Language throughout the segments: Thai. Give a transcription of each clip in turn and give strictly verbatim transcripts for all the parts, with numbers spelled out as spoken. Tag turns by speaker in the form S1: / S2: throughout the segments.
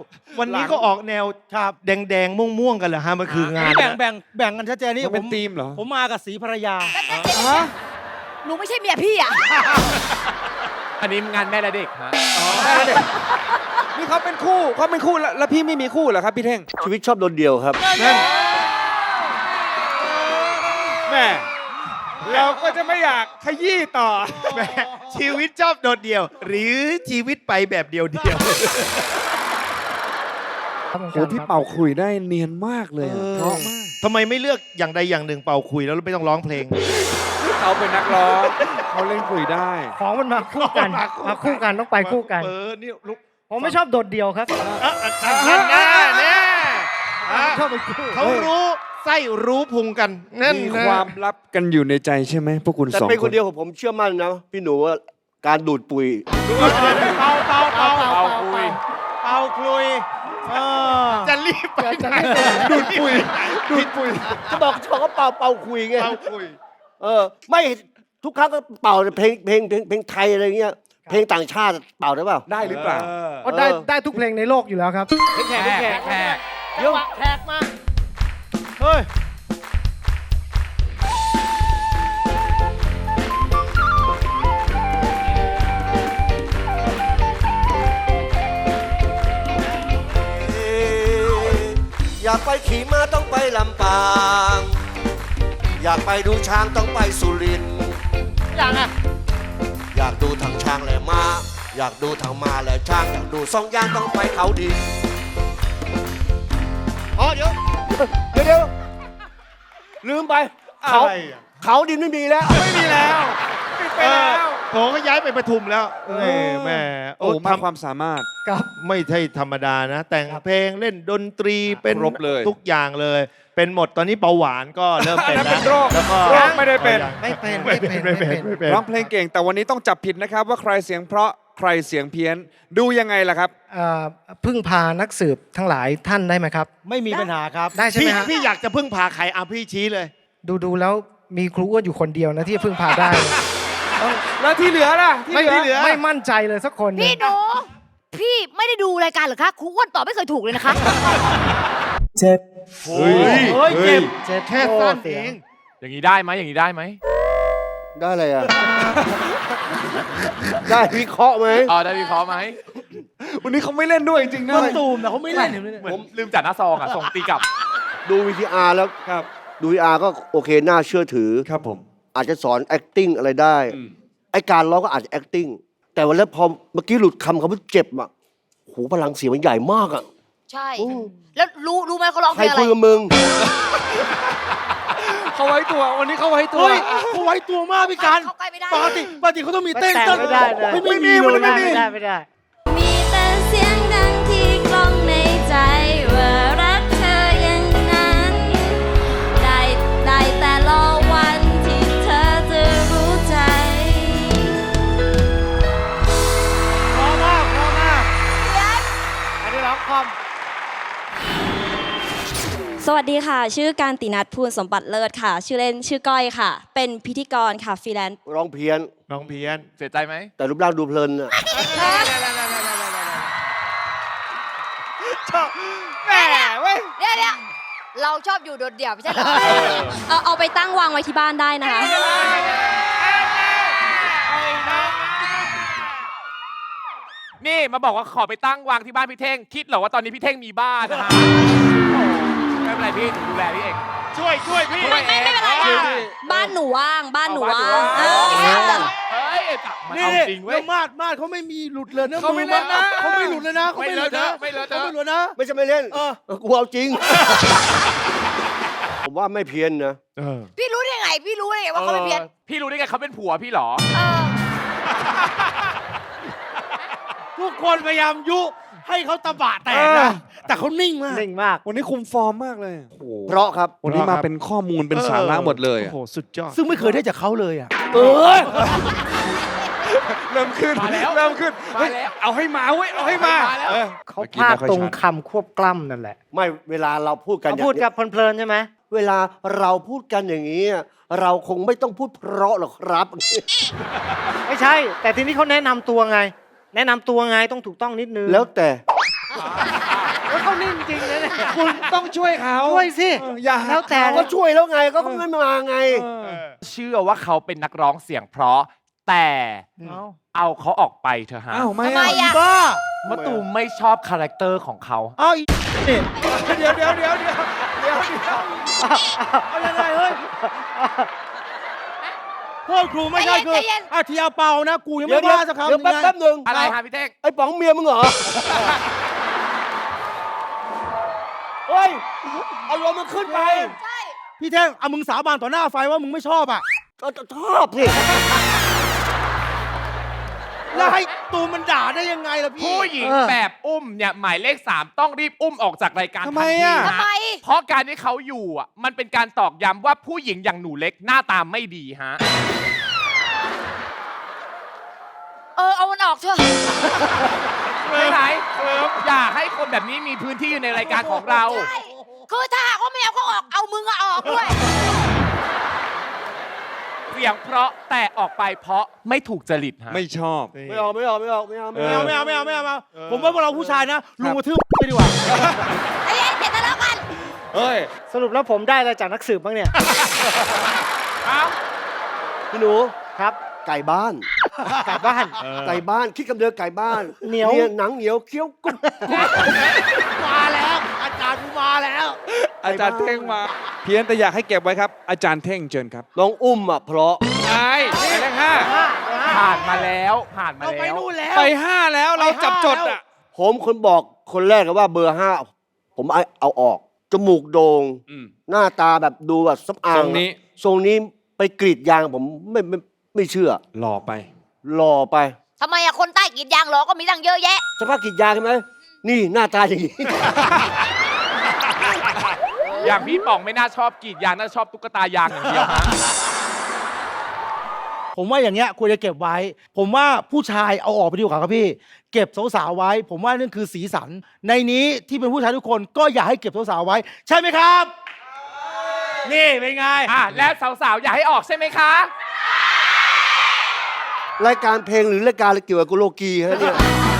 S1: วันนี้ก็ออกแนวแดงๆม่วงๆกันเหรอฮะมันคืองาน
S2: แบ่งแบ่งแบ่งกันชัดเจนนี่
S3: มันเป็นธีมเหรอ
S2: ผมมากับสีภรรยา
S3: ฮะ
S4: หนูไม่ใช่เมียพี่อ่ะ
S5: อันนี้งานแม่และเด็กฮะ
S3: นี่เขาเป็นคู่เขาเป็นคู่แล้วแล้วพี่ไม่มีคู่เหรอครับพี่เท่ง
S6: ชีวิตชอบโดนเดียวครับ
S3: นั่นแม่เราก็จะไม่อยากขยี้ต่อ
S1: แหมชีวิตชอบโดดเดี่ยว หรือชีวิตไปแบบเดียวเดียว
S3: โอ้พี่เป่าขลุ่ยได้เนียนมากเลยอะเพราะมาก
S1: ทำไมไม่เลือกอย่างใดอย่างหนึ่งเป่าคุยแล้วไม่ต้องร้องเพลง
S3: เขาเป็นนักร้องเขาเล่นขลุ่ยได้
S2: ของมันมาคู่กันมาคู่กันต้องไปคู่กัน
S1: เออนี่ลุก
S2: ผมไม่ชอบโดดเดี่ยวครับ
S1: อ่ะอ่ะอ่ะนั่นแน่แน่อ่ะ
S2: ชอบไปคู่
S1: เขารู้ไส้รู้พุงกันนั่น
S3: มี
S1: นะ
S3: ความลับกันอยู่ในใจใช่ไหมพวกคุณ
S6: แต่
S3: สอง
S6: เป็น
S3: ค
S6: คน
S3: น
S6: เดียวของผมเชื่อมั่นนะ พี่หนูว่าการดูดปุ๋ย
S2: เป่าเป่าเป่า
S5: เป่าคุย
S2: เป่าคลุยเออ
S1: จะรีบไปไหน
S3: ดูดปุ๋ยดูดปุ๋ย
S6: จะบอกชอบก็เป่าเป่าคุยไง
S1: เป่าคุย
S6: เออ ไม่ทุกครั้งก็เป่าเพลงเพลงเพลงเพลงไทยอะไรเงี้ย เพลงต่างชาติเป่าได้เปล่า
S3: ได้หรือเปล่า
S2: ก็ได้ได้ทุกเพลงในโลกอยู่แล้วครับ
S5: แขกแขกแขก
S2: เดี๋ยวแขกมาเฮ้ย
S6: อยากไปขี่ม้าต้องไปลำปาง อยากไปดูช้างต้องไปสุรินทร์
S2: อย่างอ่ะ
S6: อยากดูทางช้างและม้า อยากดูทางม้าและช้าง อยากดูสองอย่างต้องไปเขาดินอ๋อเดี๋ยวเดี๋ยวเดี๋ยวลืมไป เขา
S1: อะไรอ่ะ
S6: เขาดินไม่มีแล้ว
S1: ไม่มีแล้วไปแล้วโถก็ย้ายไปปทุมแล้วเอ้ยแม่
S3: โอ้
S1: โอ้
S3: มาก
S1: ทำ
S3: ความสามารถ
S2: ครับ
S1: ไม่ใช่ธรรมดานะ แต่งเพลงเล่นดนตรีเป็น
S3: ครบเลย
S1: ทุกอย่างเลย เป็นหมดตอนนี้เบาหวานก็เริ่มเป็น
S3: อันนั้น
S1: แล้ว
S3: เป็นโรค
S1: แล้วก็
S3: โรคไม่ได้เป็น
S2: ไม่เป็น
S1: ไม่เป็นไม่เป็นไม่เป็น
S3: ร้องเพลงเก่งแต่วันนี้ต้องจับผิดนะครับว่าใครเสียงเพราะใครเสียงเพี้ยนดูยังไงล่ะครับ
S7: เอ่อพึ่งพานักสืบทั้งหลายท่านได้ไหมครับ
S2: ไม่มีปัญหาครับ
S7: ได้ใช่ไห
S1: พี่
S7: มฮะ
S1: พี่อยากจะพึ่งพาใครอ่ะพี่ชี้เลย
S7: ดูดูแล้วมีครูอ้วนอยู่คนเดียวนะที่พึ่งพาได้
S3: แล้วที่เหลือล่ะ
S7: ไม่
S1: ที่เหลือ
S7: ไม่มั่นใจเลยสักคนหนึ่ง
S4: พี่หนู พี่ไม่ได้ดูรายการเหรอคะครูอ้วนตอบไม่เคยถูกเลยนะคะ
S1: เฮ้ย
S2: เฮ้ยเจ็บ
S7: เจ็ด
S1: แค่สั้นเอง
S5: อย่างนี้ได้ไหมอย่างนี้ได้ไหม
S6: ได้อะไรอ่ะ ได้วิเคราะห์ไหม
S5: อ๋อได้วิเคราะห์ไหม
S3: วันนี้เขาไม่เล่นด้วยจริงๆนะ
S2: ต้นตูมแต่เขาไม่เล่นเห็นไหม
S5: เหมือนลืมจัดหน้าซองอ่ะ ส่งตีกลับ
S6: ดูวีทีอาร์แล้ว
S3: ครับ
S6: ดูวีทีอาร์ก็โอเคน่าเชื่อถือ
S3: ครับผม
S6: อาจจะสอน acting อะไรได้
S3: อืม
S6: ไอการร้องก็อาจจะ acting แต่วันแล้วพอเมื่อกี้หลุดคำคำว่าเจ็บอ่ะโหพลังเสียงมันใหญ่มากอ่ะ
S4: ใช่ แล้วรู้รู้ไหมเขาร้อง
S6: ใค
S4: เพ
S6: ร
S4: ลงอะไร
S6: คุยกับมึง
S3: เขาไว้ตัววันนี้เขาไว้ตัว
S2: เฮ้ยเขาไว้ตัวมากพี่การ
S4: เข้าใกล้ไม่ได้
S2: ปกติปกติเขาต้องมีเต้น
S7: แต่
S2: เต้น
S7: ไม่ได้เลย
S2: ไม่ไม่มีเลยไม่มี
S7: ไม่ได้ไม่ได้
S8: มีแต่เสียงดังที่กล้องในใจว่ารักเธออย่างนั้น ได้ได้แต่รอวันที่เธอจะรู้ใจ
S2: พอมากพอมากอันนี้ร้องคอม
S8: สวัสดีค่ะ ชื่อการตินัทภูลสมบัติเลิศค่ะ ชื่อเล่นชื่อก้อยค่ะ เป็นพิธีกรค่ะฟรีแลนซ์
S6: ร้องเพี้ยน
S1: น้องเพียน
S5: เสียใจไหม
S6: แต่รูปร่างดูเพลินอ่ะ
S1: แม่เว้ย
S4: เดี๋ยวเดี๋ยวเราชอบอยู่โดดเดี่ยวไม่ใช่เหรอ
S8: เอาเอาไปตั้งวางไว้ที่บ้านได้นะคะ
S5: นี่มาบอกว่าขอไปตั้งวางที่บ้านพี่เท่ง คิดเหรอว่าตอนนี้พี่เท่งมีบ้านนะฮะไม่เป็นไรพี่หนูดูแลพี่เอง
S1: ช่วยช่วยพี่
S5: ช่วยเอง
S8: ไม่เป็นไร
S5: เออ
S8: บ้านหนูว่าง บ้านหนูว่าง
S5: เอ
S8: เอ
S5: อ
S8: อ
S5: เฮ้ยมัน
S2: นี่
S5: เอาจริงเว้
S2: แล้
S5: ย
S2: วมาดมาดเขาไม่มีหลุดเลยนะ
S3: เขาไม่เล่นนะ
S2: เขาไม่หลุดเลยนะเขาไม่หลุดนะ
S5: ไม่เลอะเทอะ
S2: เขาไม่หลุดนะ
S6: ไม่ใช่ไม่เล่น
S2: เออ
S6: กูเอาจริง ผมว่าไม่เพี้ยนนะ
S4: พี่รู้ได้ไง พี่รู้ได้ไงว่าเขาไม่เพี้ยน
S5: ออพี่รู้ได้ไงเขาเป็นผัวพี่เหรอ
S4: เออ
S2: ทุกคนพยายามยุให้เขาตะบะแตกนะแต่เขานิ่งมาก
S7: นิ่งมาก
S3: วันนี้คุมฟอร์มมากเลย
S6: เพราะครับ
S3: วันนี้มาเป็นข้อมูลเป็นสาระหมดเลย
S1: โอ้โหสุดยอด
S2: ซึ่งไม่เคยได้จากเขาเลยอ่ะ
S6: เออ
S3: เริ่มขึ้น
S5: มาแล้ว
S3: เริ่มขึ้น
S5: มาแล้ว
S3: เฮ้ยเอาให้มาเว้ยเอาให้มา
S5: มาแล้ว
S3: เออ
S7: เขา
S3: มื่อกี้
S7: พลาด
S3: ไม่ค่อย
S7: ตรง
S3: ชัด
S7: คำควบกล้ำนั่นแหละ
S6: ไม่เวลาเราพูดกัน
S7: เขา
S6: อย่าง
S7: พูดกับเพลินๆใช่ไหม
S6: เวลาเราพูดกันอย่างนี้ เราคงไม่ต้องพูดเพราะหรอกครับ
S7: ไม่ใช่ แต่ทีนี้เขาแนะนำตัวไง แนะนำตัวไงต้องถูกต้องนิดนึง
S6: แล้วแต่
S5: อ่า
S2: นิ่งจริงนะเนี่ย
S3: คุณต้องช่วยเขา
S2: ช่วยสิ
S3: เอออย่า
S2: แล้วแต่
S6: ก็ช่วยแล้วไงก็ไม่มาไง
S3: เออ
S5: เชื่อว่าเขาเป็นนักร้องเสียงเพราะแต่
S2: เอา
S5: เอาเขาออกไปเถอะฮะ
S3: อ้าวไม่
S4: ทำไม
S3: อ่ะ
S4: อะ
S2: บ้าม
S5: ะตูมไม่ชอบคาแรคเตอร์ของเขา
S2: เอาอีกนี่
S3: เดี๋ยวเดี๋ยวเดี๋ยวเดี๋ยวเดี๋ยวเดี๋ยว
S2: เอายังไงเฮ้ยโทษครูไม่ใช่คือ
S4: ใจเย็น
S2: อาทีเอาเปานะ กูยัง
S6: เดี๋ย
S2: ไม่
S6: วเดี๋ยว
S2: ว่าสักคำ
S6: เดี๋ยวแป๊บ
S2: ไง
S6: แป๊บหนึ่ง
S5: อะไรฮะพี่เท่ง
S6: ไอ้ป๋องเมียมึงเหรอ เฮ้ยอารมณ์มันขึ้นไป
S4: ใช่
S2: พี่แท่งเอามึงสาบานต่อหน้าไฟว่ามึงไม่ชอบอ่ะ
S6: ก็ชอบสิ
S2: แล้วให้ตูมมันด่าได้ยังไงล่ะพี่
S5: ผู้หญิง
S2: เออ
S5: แบบอุ้มเนี่ยหมายเลขสามต้องรีบอุ้มออกจากรายการ
S3: ทำไม
S5: ทันที
S3: อ่ะ
S5: ฮ
S4: ทำไม
S5: เพราะการที่เขาอยู่อ่ะมันเป็นการตอกย้ำว่าผู้หญิงอย่างหนูเล็กหน้าตาไม่ดีฮะ
S4: เออ เอามันออกเถอะ
S5: ไม่ไหนอยากให้คนแบบนี้มีพื้นที่อยู่ในรายการของเรา
S4: ใช่ คือถ้าหากว่าไม่เอาเขาออก เอามึงอะออกด้วย
S5: เสียงเพราะแต่ออกไปเพราะไม่ถูกจริตฮะ
S3: ไม่ชอบ
S6: ไม่เอาไม่เอาไม่เอาไม่เอา
S2: ไม่เอาไม่เอาไม่เอาไม่เอาไม่เอาผมว่าพวกเราผู้ชายนะลุงกระทืบไปดีกว่า
S4: ไอ้เอ็นเดี๋ยวทะเลาะกัน
S3: เฮ้ย
S7: สรุปแล้วผมได้อะไรจากนักสืบบ้างเนี่ย
S6: พี่หนู
S7: ครับ
S6: ไก่บ้าน
S7: กลับบ้าน
S6: ไก่บ้านคิดคำเดิมไก่บ้าน
S7: เหนียว
S6: หนังเหนียวเคี้ยวกรุบ
S2: มาแล้ว อาจารย์กูมาแล้ว
S3: อาจารย์เท่งมา เพี้ยนแต่อยากให้เก็บไว้ครับ อาจารย์เท่งเชิญครับ
S6: น้องอุ้มอ่ะเพราะ
S3: ไอ้หมายเลขห้า
S5: ผ่านมาแล้วผ่านมา
S2: เราไป
S5: แล้ว
S2: นู่นแล้ว
S3: ไปห้าแล้วเราจับจดอ่ะ
S6: ผมคนบอกคนแรกเลยว่าเบอร์ห้าผมเอาเอาออก จมูกโด่ง
S3: อืม
S6: หน้าตาแบบดูแบบสำอาง
S3: ทรงนี้
S6: ทรงนี้ไปกรีดยางผมไม่ไม่ไม่เชื่อ
S3: หล่อไป
S6: หล่อไป
S4: ทำไมอะคนใต้กรีดยางหรอก็มีตั้งเยอะแยะ
S6: สภาพกรีดยางใช่ไหมนี่หน้าตาอย่างนี้
S5: อย่างพี่ป๋องไม่น่าชอบกรีดยางน่าชอบตุ๊กตายางอย่างเดียวฮะ
S2: ผมว่าอย่างเงี้ยควรจะเก็บไว้ ผมว่าผู้ชายเอาออกไปดีกว่าครับพี่ เก็บสาวๆไว้ ผมว่านั่นคือสีสัน ในนี้ที่เป็นผู้ชายทุกคนก็อยากให้เก็บสาวๆไว้ ใช่ไหมครับ นี่เป็นไง
S5: อ่ะและสาวๆ อยากให้ออกใช่ไหมคะ
S6: รายการเพลงหรือรายการอะไรเกี่ยวกับกุโลกีฮะเนี่ย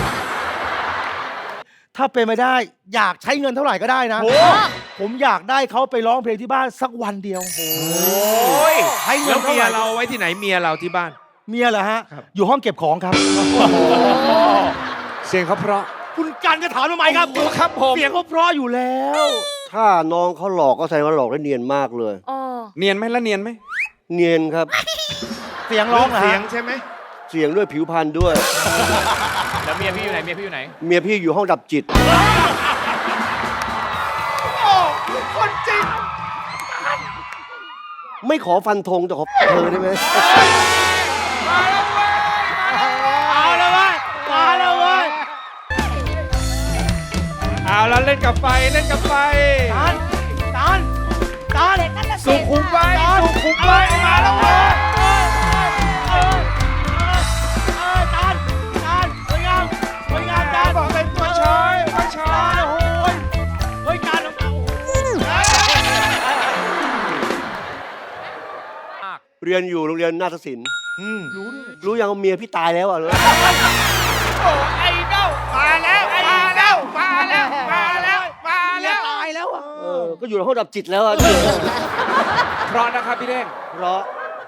S2: ถ้าเป็นไม่ได้อยากใช้เงินเท่าไหร่ก็ได้นะ ผมอยากได้เขาไปร้องเพลงที่บ้านสักวันเดียว
S5: โอ้ย
S2: ใช้เงิ
S1: แล้
S2: น
S1: ว
S2: เท่า
S1: เมี
S2: ไห
S1: ย
S2: ร่
S1: เราไว้ที่ไหนเมียเราที่บ้าน
S2: เมียเหรอฮะ อยู่ห้องเก็บของครับ
S3: เสียงเขาเพราะ
S2: คุณกันจะถามทำไมครับ
S3: ครับผม
S2: เสียงเขาเพราะอยู่แล้ว
S6: ถ้าน้องเขาหลอกก็แสดงว่าหลอกได้เนียนมากเลย
S4: เออ
S3: เนียนไหมแล้วเนียนไหม
S6: เนียนครับ
S2: เสียงร้องเหรอ
S1: เสีย
S2: ฮะ
S1: งใช่ไหม
S6: เสียงด้วยผิวพรรณด้วย
S5: แล้วเมียพี่อยู่ไหน เมียพี่อยู่ไหน
S6: เมียพี่อยู่ห้องดับจิต
S2: คนจริง
S6: ไม่ขอฟันธงแต่ขอเธอได้ไหม
S2: เอาแล้วเว้ยมาแล้วเว้ย
S3: เอาแล้วเล่นกับไฟเล่นกับไฟ
S2: ตานตานตาน
S3: สุขุมไว้สุขุมไว้
S2: มาแล้วเว้ยเออเออเออตานตานสวยงามสวยงามตาน
S3: บอกเป็นตัวช้อยตัวช้อ
S2: ตาย นโอ้ยเฮ้ยตานของเรา
S6: เรียนอยู่โรงเรียนนาฏศิลป์รู้ยังว่าเมียพี่ตายแล้วอ่ะเลย
S5: ไอ้เด้ามาแล้ว ไอ้เด้ามาแล้ว มาแล้ว มา
S2: เมีย
S5: แล้ว
S2: ตายแล้วอ่ะ
S6: เออก็อยู่ในห้องดับจิตแล้วอ่ะ
S3: เพราะนะครับพี่เท่ง
S6: เพราะ